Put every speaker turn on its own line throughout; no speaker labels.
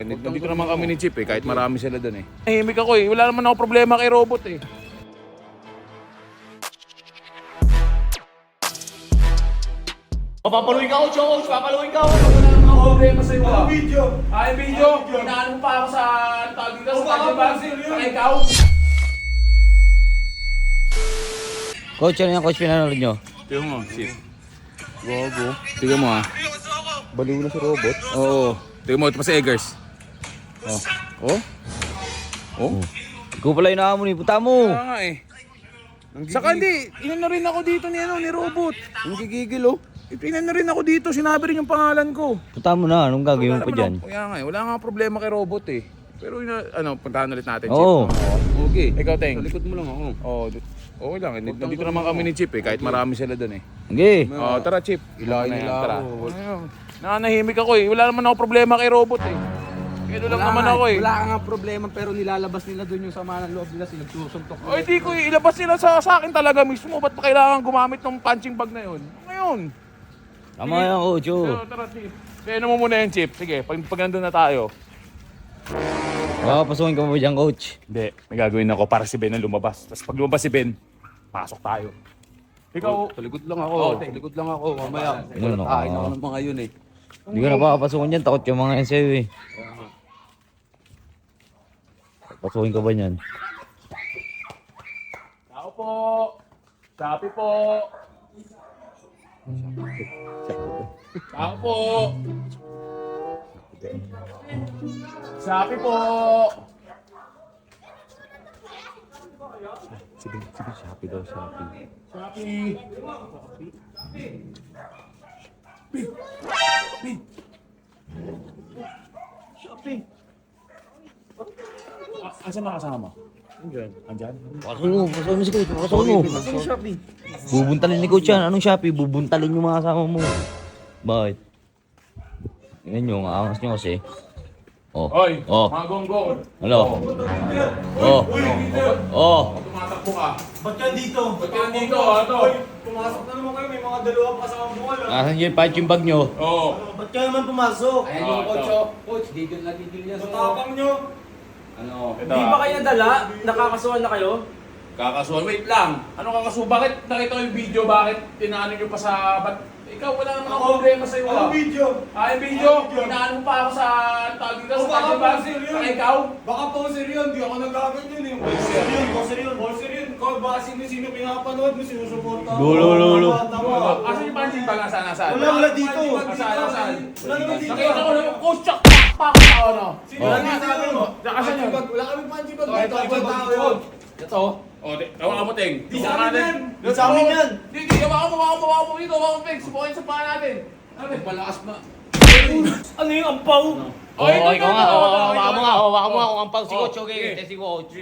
Nandito naman kami ni Chip kahit marami sila doon Nahimik ako wala naman ako problema kay robot Papaluin ka coach, papaluin ka wala naman ako problema sa'yo
Ang video!
Yung video, hinaan mo pa ako sa tawag dito sa kanya ba? Sa ikaw?
Coach, ano yung coach pinanood nyo?
Tignan mo, Chip. Gogo. Tignan mo Baliw na si robot. Oo. Tignan mo, ito pa si Eggers.
Ikaw pala yung nakamon punta mo.
Kaya nga Saka hindi, inan na rin ako dito ni robot. Ang gigigil Ipinan na rin ako dito, sinabi rin yung pangalan ko.
Punta mo na, anong gagawin mo pa dyan?
Kaya nga wala nga problema kay robot Pero puntahan ulit natin,
Oo.
Chip. Okay. Ikaw, Teng.
Sa likod mo lang ako.
Okay lang, nandito naman kami ni Chip kahit marami sila doon
Okay.
Tara Chip.
Ilahin nila
Tara.
ako.
Nanahimik ako wala naman ako problema kay robot Kaya lang naman ako
Wala ka nga problema pero nilalabas nila doon yung sama ng loob nila, sinagsusuntok nila.
Di ko ilabas nila sa akin talaga mismo. Ba't pa kailangan gumamit ng punching bag na yun? Ngayon.
Tama yan, coach.
Tara, Chip. Kaya mo muna yung Chip. Sige, pag nandun na tayo.
Pasukin ka mo dyan, coach.
Hindi, may gagawin ako para si Ben na lumabas. Tapos pag lumabas si Ben, pasok tayo. Ikaw,
Sa likod lang ako. Sa likod lang ako. Mamaya.
Ano,
Tahin ako ng mga yun
Hindi ka na papapasukin dyan, takot yung mga yan sa'yo Pasukin ka ba niyan?
tao po. Sapi po. Tao po. Sapi po.
Sige, Shopee daw, Shopee.
Sapi. Sapi. Asan na kasama? Andyan?
Pasukin mo si coach, pasukin mo. Bubuntalin ni coach yan. Anong Shopee? Bubuntalin yung mga kasama mo. Bakit? Yan yung aangas nyo kasi.
Oy, mga gonggong.
Ano?
Tumatakbo ka.
Ba't ka dito?
Ba't ka nandito? Ano?
Pumasok na naman kayo, may mga dalawa pa sa bungal.
Asan yung punching bag nyo?
Oo.
Ba't ka naman pumasok?
Ayan yung coach, Coach, digil na digil niya sa...
Matapang nyo.
Ano?
Ito,
Di ba kayo nadala? Nakakasuhan na kayo?
kakasuhan. Wait lang. Ano kakasuhan? Bakit nakita ko yung video? Bakit tinaano nyo pa sa... Ikaw, wala naman ako problema sa'yo
Anong video?
Yung video? Tinaano mo pa ako sa... Tawag dito sa kanya ba? Saka ikaw?
Baka poser yun, di ako nagaganyan eh. Poser yun, poser yun. Poser yun. Ikaw ba sino pinapanood mo, sinusuporta mo?
Lolo.
Asan yung punching bag? Nasaan?
Wala dito.
Nasaan?
Wala naman dito.
Nakita ko na yung coach chak pak ano.
Wala nga sabi mo.
Asan yun?
Wala kami punching bag
Ito,
dito. Ibang tao yun.
Ito. Tawa mo, Teng.
Di sa amin yan. Di sa amin yan.
Hindi, hawakan mo dito, hawakan mo, Peg. Subukin sa paa natin.
Malakas ba?
Ano yung ampaw?
Ikaw nga. Hawakan mo nga. Hawakan mo nga kung ang pang si coach. Okay, test si coach.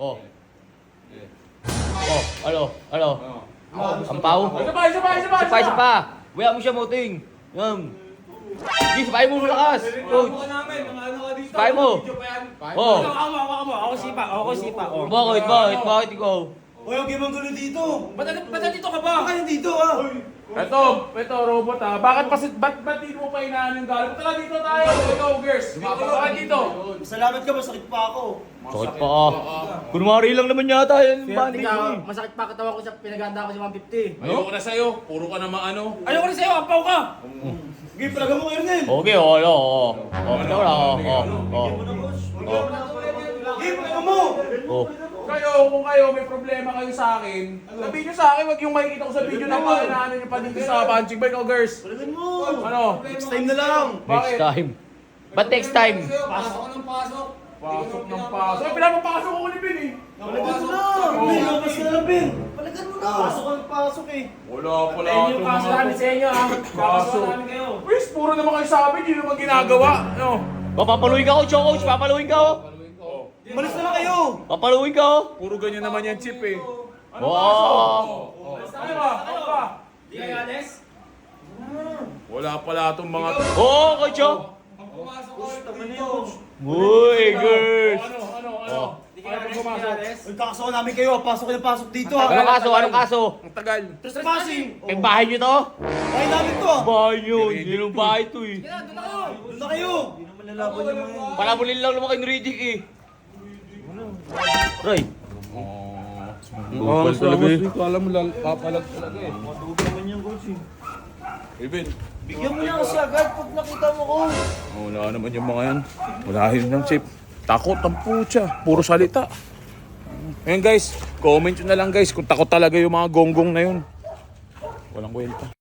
Ano? Ampaw? Isa pa. Wala mo siya, Moting. Yan. Sige, sabayin mo malakas. Coach. Sabayin mo.
Ako sipa.
Bakit ikaw?
Hoy, huwag yung gulo dito. Ba't dito ka ba? Bakit dito
Ito, robot Ba't dito mo pa inaan yung galing? Tala dito tayo. Ikaw, girls. Bakit dito?
Salamat ka, masakit pa ako.
Sakit pa ka. Kunwari lang naman yata yan. Bani ko.
Masakit pa katawan ko sa pinaganda ko sa 150.
Ayoko na sa'yo. Puro ka naman ano.
Ayoko na sa'yo, ampaw ka! Sige, palaga mo kayo din.
Okay, Ito lang.
Sige, palaga mo!
Kung kayo may problema kayo sa akin, sabihin nyo sa akin, wag yung makikita ko sa video na pakinaanan nyo pa dito sa punching bag. O, girls.
Palagan mo!
Ano?
Next time na lang!
Next time. Ba't next time?
Pasok ka ng pasok!
Pasok ng pasok. Ay, pinapapasok ko ni Ben
Palagan mo na! Bin, labas ka na, Bin! Palagan mo na! Pasok ka ng pasok eh!
Wala pala
Ayun
itong
yung kaso
mga
namin sa inyo ha.
Kaso.
namin kayo!
Wis, puro naman kayo sabi, hindi naman ginagawa. Ano?
Papaluin ka, coach. Papaluin ka.
Malis na lang kayo!
Papaluin ka.
Puro ganyan naman yan, Chip Ano
Wow.
Ano ba? Ano ba?
Di kayo alis?
Wala pala itong mga...
Coach.
Tama na yun!
Uy, girls.
Ano?
Di kayo alis? Uy, kakasuhan namin kayo! Pasok kayo na pasok dito ha!
Anong kaso?
Ang tagal.
Trespassing!
May bahay nyo to?
Bahay namin to!
Bahay nyo. Hindi nung bahay to eh.
Doon na kayo! Nilalaban niya mga yan.
Palabulin lang naman kay Riddick eh. Ray.
Bukal talaga eh.
Kala mo papalag talaga eh.
Madugo naman yung coach eh.
Even.
Bigyan mo na kasi agad pag nakita mo ko.
Wala naman yung mga yan. Wala yun ng chip. Takot ang putya. Puro salita. Ayun guys, comment nyo na lang guys kung takot talaga yung mga gonggong na yun. Walang kwenta.